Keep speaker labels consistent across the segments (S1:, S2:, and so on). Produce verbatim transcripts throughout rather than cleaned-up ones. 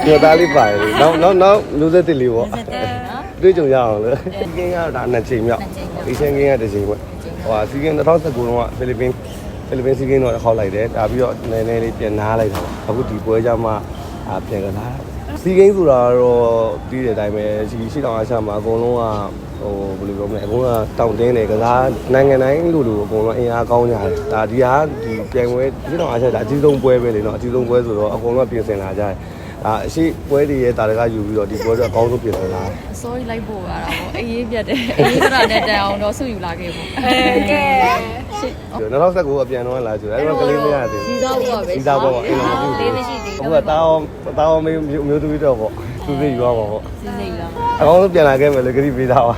S1: ပြောသားလေးပါတယ်နောက်နောက်နောက်လူသက်တစ်လေးပေါ့တွေ့ကြုံရအောင်လေစီကင်းကတော့ဒါနှစ်ချိန်မြောက်အေရှန်ကင်းကတစ်ချိန်ပေါ့ဟိုစီကင်း၂၀၁၉တော့ဖိလစ်ပင်းဖိလစ်ပင်းစီကင်းတော့ခေါက်လိုက်တယ်ဒါပြီးတော့နည်းနည်းလေးပြန်နားလိုက်တာပေါ့အခုဒီပွဲကြမှာပြန်ကစားစီကင်းဆိုတာတော့ပြီးတဲ့အတိုင်းပဲရှိရှိတောင်အားချမှာအကုန်လုံးကဟိုဘယ်လိုပြောမလဲအကုန်လုံးကတောင့်တင်းတယ်ကစားနိုင်ငံတိုင်းလူလူအကုန်လုံးအင်အားကောင်းကြတယ်ဒါဒီဟာဒီပြိုင်ပွဲရှိတောင်အားချဒါအကြီးဆုံးပွဲပဲလေနော်အကြီးဆုံးပွဲဆိုတော့အကုန်လုံးပြင်ဆင်လာကြတယ်ဒါအရှိပွဲတွေရဲ့တာတကယူပြီးတော့ဒီပွဲတော့အကောင်းဆုံးပြင်ဆင်လာတယ်
S2: sorry လိုက်ဖို့ရတာပေါ့အေးရေးပြတ်တယ်အေးရေးကရတဲ့တန်အောင်တော့ဆုယူလာခဲ့ပေါ့အဲကဲ
S1: ရှစ်၂၀၁၉အပြန်တော့လာကြတယ်အဲ့တော့ကလေးမရသေးဘူး
S2: စီစားဖို့ပဲ
S1: စီစားဖို့အိမ်မှာ
S2: လေးမရှိသေးဘူး
S1: အခုကတာအောင်တာအောင်မျိုးမျိုးသူတော့ပေါ့သူစိတ်ယူရမှာပေါ့
S2: စီစိတ်ယူရမှာ
S1: အကောင်းဆုံးပြန်လာခဲ့မယ်လေခရီးပေးတာပါ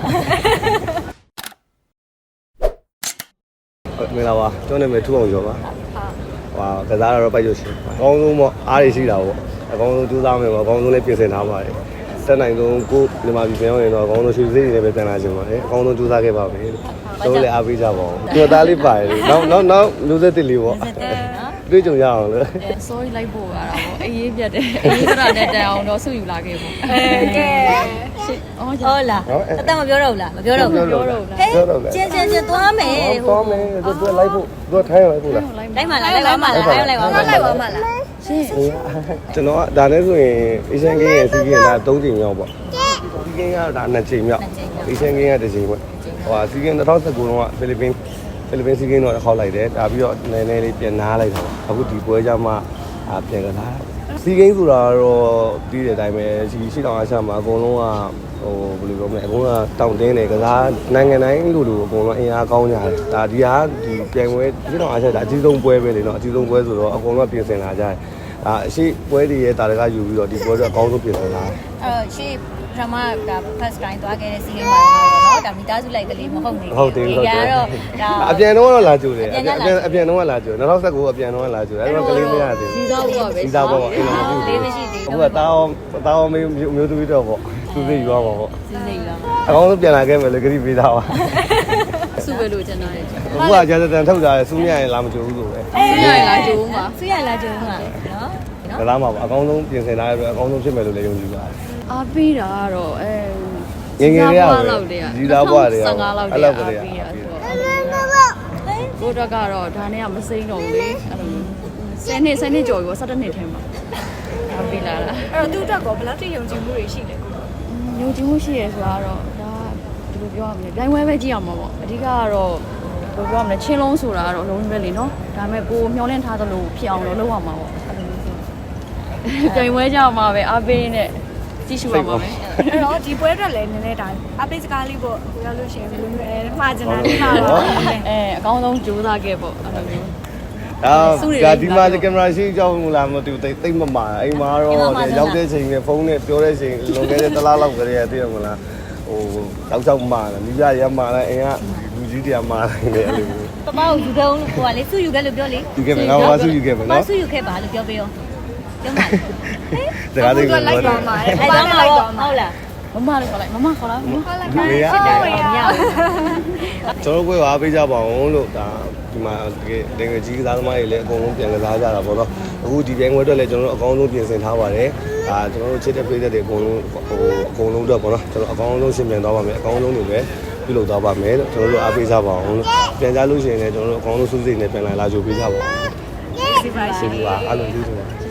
S1: မင်္ဂလာပါကျွန်တော်နာမည်ထူအောင်ရောပါဟာကစားတော့ပိုက်ရရှင်အကောင်းဆုံးပေါ့အားရရှိတာပေါ့အကောင်းဆုံးကြိုးစားမယ်ပေါ့အကောင်းဆုံးလေးပြင်ဆင်ထားပါတယ်တက်နိုင်ဆုံးကိုမြန်မာပြည်ပြန်ရင်တော့အကောင်းဆုံးရွှေစည်းတွေပဲတန်လာခြင်းပါတယ်အကောင်းဆုံးကြိုးစားခဲ့ပါမယ်လို့တို့လည်းအားပေးကြပါဦးပြောသားလေးပါတယ်နောက်နောက်နောက်လူသက်တစ်လေးပေါ့တွေ့ကြုံရအောင်လေ
S2: sorry လိုက်ဖို့ရတာပေါ့အေးရေးပြတ်တယ်အေးရေးကရတဲ့တန်အောင်တော့ဆုယူလာခဲ့ပေါ့အဲကဲရှစ်အော်ဟုတ်လားအတမပြောတော့ဘူးလားမပြောတော့ဘူးပြောတော့လား
S1: ပြောတော့လေ
S2: ကျင်းကျင်းကျင်းသွားမယ်
S1: ဟိုသွားမယ်သူကလိုက်ဖို့သူကထိုင်းရလိုက်ဖို့လား
S2: လိုက်မှလားလိုက်ပါမှလားလိုက်ပါမှလိုက်ပါမှလားရှင်း
S1: ကျွန်တော်ကဒါနဲ့ဆိုရင်အေရှန်ကင်းရဲ့စီကင်းကသုံးချိန်မြောက်ပေါ့စီကင်းကတော့ဒါနှစ်ချိန်မြောက်အေရှန်ကင်းကတစ်ချိန်ပေါ့ဟိုစီကင်း၂၀၁၉တော့ဖိလစ်ပင်းဖိလစ်ပင်းစီကင်းတော့ခေါက်လိုက်တယ်ဒါပြီးတော့နည်းနည်းလေးပြန်နားလိုက်တာပေါ့အခုဒီပွဲကြမှာပြန်ကစားစီကင်းဆိုတာတော့ပြီးတဲ့အတိုင်းပဲရှိရှိတောင်အားချမှာအကုန်လုံးကဟိုဘယ်လိုပြောမလဲအကုန်လုံးကတောင့်တင်းတယ်ကစားနိုင်ငံတိုင်းလူလူအကုန်လုံးအင်အားကောင်းကြတယ်ဒါဒီဟာဒီပြိုင်ပွဲရှိတောင်အားချဒါအကြီးဆုံးပွဲပဲလေနော်အကြီးဆုံးပွဲဆိုတော့အကုန်လုံးပြင်ဆင်လာကြတယ်ဒါအရှိပွဲတွေရဲ့တာတကယူပြီးတော့ဒီပွဲတော့အကောင်းဆုံးပြင်ဆင်လာတယ်
S2: အဲ့တော့ရှေ့ပထမက first time သွားခဲ့တဲ့စီးကိန်းမှာတော့ဒါမိသားစုလိုက်ကလေးမဟုတ်ဘူး
S1: ဟုတ်တယ်ဟုတ်တယ်
S2: ဒါ
S1: အပြန်တော့လာကြိုတယ်အပြန်အပြန်တော့လာကြို၂၀၁၉အပြန်တော့လာကြိုအဲ့တော့ကလေးမရသေးဘူး
S2: စီစားဖို့ပဲ
S1: စီစားဖို့အိမ်မှာ
S2: လေးမရှိသေးဘူး
S1: အခုကတာအောင်တာအောင်မျိုးမျိုးသူတော့ပေါ့သူစိတ်ယူရမှာပေါ့
S2: စီစိတ်ယူရမှာ
S1: အကောင်းဆုံးပြန်လာခဲ့မယ်လေခရီးပေးတာပါ
S2: စုပဲလို့ကျွန်တော်လည်း
S1: အခုကကြာတန်ထုတ်တာစူးမြရင်လာမကြိုဘူးဆိုပဲ
S2: စူးရလာကြိုးမှာစူးရလာကြိုးမှာနော်
S1: ကစားမှာပါအကောင်းဆုံးပြင်ဆင်လာရပြီးအကောင်းဆုံးဖြစ်မယ်လို့လည်းယုံကြည်ပါတယ်
S2: အားပေးတာကတော့အဲ
S1: ငယ်ငယ်လေးရတယ်ဒီသားဘွားတွေ
S2: ဆယ်ငါးလောက်တည်းအားပေးရဆိုတော့ကိုတော့ကတော့ဒါနဲ့ကမစိမ့်တော့ဘူးလေအဲ့လိုဆယ်နှစ်ဆယ်နှစ်ကျော်ပြီပေါ့ဆယ်တစ်နှစ်ထဲမှာအားပေးလာတာ
S3: အဲ့တော့သူ့အတွက်ကဘယ်လောက်ထိယုံကြည်မှုတွေရှိလဲကို
S2: ယုံကြည်မှုရှိရဆိုတာတော့ဒါဒီလိုပြောရမလဲပြိုင်ပွဲပဲကြည့်အောင်ပါပေါ့အဓိကကတော့ဘယ်လိုပြောရမလဲချင်းလုံးဆိုတာကတော့လုံးဝပဲလေနော်ဒါပေမဲ့ကိုမျောလင့်ထားသလိုဖြစ်အောင်လုပ်ရမှာပေါ့အဲ့လိုမျိုးဆိုပြိုင်ပွဲကြမှာပဲအားပေးနေကြည့်ရှုပါပါမယ်
S3: အဲ့တော့ဒီပွဲအတွက်လည်းနည်းနည်းဒါအပိတ်စကားလေးပေါ့ကိုရောက်လို့ရှိရင်ဘယ်လိုမျိုးအဲမှားချင်တာလေးမှားပါ
S2: အဲအကောင်းဆုံးကြိုးစားခဲ့ပေါ့အဲ့လိုမျိုး
S1: အာဒီမှာကင်မရာရှိကြောက်မလားမသိဘူးတိတ်မမာအိမ်မှာတော့ရောက်တဲ့ချိန်နဲ့ဖုန်းနဲ့ပြောတဲ့ချိန်လွန်ခဲ့တဲ့တစ်လားလောက်ကလေးတည်းရမလားဟိုတောက်ချောက်မာတယ်မိပြရမာတယ်အိမ်ကလူကြီးတွေကမာတယ်အဲ့လိုမျိုး
S2: ပပကိုယူခဲ့အောင်ကိုကလေစုယူခဲ့လို့ပြောလေ
S1: ယူခဲ့မယ်ငါကစုယူခဲ့မယ်နော်
S2: စုယူခဲ့ပါလို့ပြောပေးရောပြောမှာ
S1: စကားလေးကို
S3: လိုက်သွားမှာ
S2: အဲ့ဒါမှလိုက်သွားမှာဟုတ်လားမမလည်းခေါ်လိုက်မမခေါ်လိုက်မခေါ်လိုက်ပါစစ်တယ်မရဘူး
S1: ကျွန်တော်တို့ကအားပေးကြပါအောင်လို့ဒါဒီမှာတကယ်တကယ်ကြီးကစားသမားတွေလည်းအကုန်လုံးပြန်ကစားကြတာပေါ့နော်အခုဒီပြိုင်ပွဲအတွက်လည်းကျွန်တော်တို့အကောင်းဆုံးပြင်ဆင်ထားပါတယ်ဒါကျွန်တော်တို့ချစ်တဲ့ပြည်သက်တွေအကုန်လုံးဟိုအကုန်လုံးတော့ပေါ့နော်ကျွန်တော်အကောင်းဆုံးရှင်းပြန်သွားပါမယ်အကောင်းဆုံးတွေပဲပြုလုပ်သွားပါမယ်လို့ကျွန်တော်တို့အားပေးကြပါအောင်လို့ပြန်ကြလို့ရှိရင်လည်းကျွန်တော်တို့အကောင်းဆုံးစုစိတ်နဲ့ပြန်လာလာကြိုပေးကြပါအောင်
S3: ဒီပါရှိ
S1: ပါအားလုံးကျေးဇူးပါ